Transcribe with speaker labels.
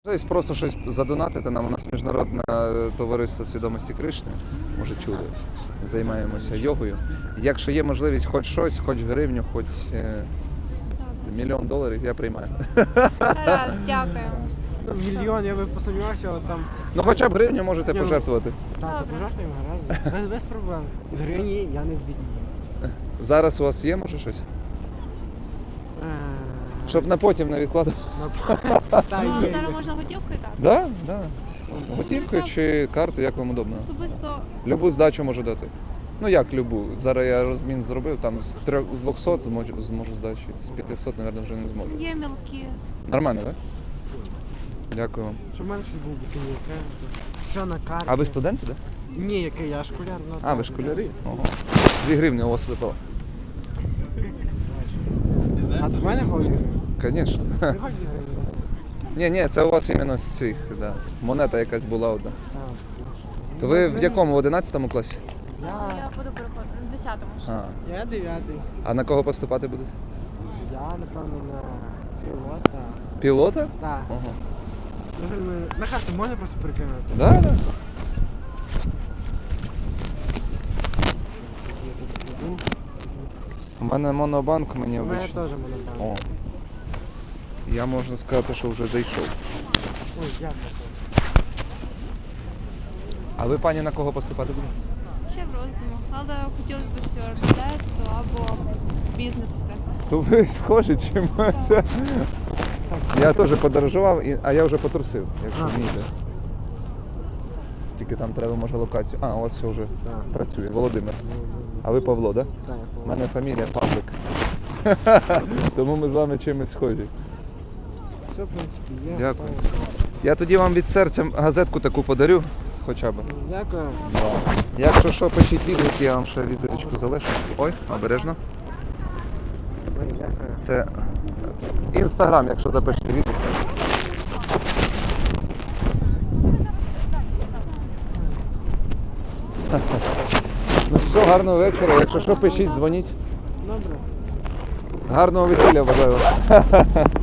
Speaker 1: Можливість просто щось задонатити нам. У нас міжнародне товариство свідомості Кришни, може чули, займаємося йогою. Якщо є можливість хоч щось, хоч гривню, хоч $1 мільйон, я приймаю.
Speaker 2: Раз, дякую.
Speaker 3: Мільйон, я би посумнівався, але там...
Speaker 1: Ну хоча б гривню можете пожертвувати.
Speaker 3: Так, то пожертвуємо, раз. Без проблем. З гривні я не збіднію.
Speaker 1: Зараз у вас є, може, щось? Щоб на потім не відкладати.
Speaker 3: Та
Speaker 2: Ну,
Speaker 3: є.
Speaker 2: зараз можна готівкою так?
Speaker 1: Да, да. Готівкою чи карту, як вам удобно.
Speaker 2: Особисто
Speaker 1: Любу здачу можу дати. Ну як любу? Зараз я розмін зробив, там з 200 зможу здачі, з 500, мабуть, вже не зможу.
Speaker 2: є мілкі.
Speaker 1: Нормально, так? Дякую вам.
Speaker 3: Щоб менше був бікінів, все на карті.
Speaker 1: А ви студенти, так?
Speaker 3: Ні, який я школяр. Ну,
Speaker 1: А, ви школярі? Ого. 2 гривні у вас випало.
Speaker 3: А до мене ходить?
Speaker 1: Звісно.
Speaker 3: Не ходить гривні.
Speaker 1: Ні, це у вас іменно з цих, да. Монета якась була одна.
Speaker 3: Так.
Speaker 1: То ви в якому, в 11 класі?
Speaker 2: Я буду переходити в 10-му.
Speaker 1: А.
Speaker 3: Я 9-й.
Speaker 1: А на кого поступати будете?
Speaker 3: Я, напевно, на пілота.
Speaker 1: Пілота?
Speaker 3: Так.
Speaker 1: Ага.
Speaker 3: На карту можна просто перекинути?
Speaker 1: Да, да. У мене монобанк, мені
Speaker 3: У мене
Speaker 1: обично.
Speaker 3: теж монобанк.
Speaker 1: О. Я можна сказати, що вже зайшов.
Speaker 3: Ой, дякую.
Speaker 1: А ви, пані, на кого поступати будете?
Speaker 2: Ще в роздуму. Але хотілося б стюардесу або бізнес.
Speaker 1: То ви схожі чимось. Я теж подорожував, а я вже потрусив, якщо вмієте. Тільки там треба, може, локацію. А, у вас все вже
Speaker 3: Так.
Speaker 1: працює. Володимир. А ви Павло, так?
Speaker 3: Так,
Speaker 1: У мене фамілія Павлик. Тому ми з вами чимось схожі.
Speaker 3: все, в принципі, є.
Speaker 1: Дякую.
Speaker 3: готово.
Speaker 1: Я тоді вам від серця газетку таку подарю, хоча б.
Speaker 3: Дякую.
Speaker 1: Якщо що, пишіть відгуки, я вам ще візиточку залишу. Ой, обережно.
Speaker 3: Ой, дякую.
Speaker 1: Це Інстаграм, якщо запишете відгук. Ну все, гарного вечора. Якщо що, пишіть, дзвоніть.
Speaker 3: Добре.
Speaker 1: Гарного весілля бажаю вам.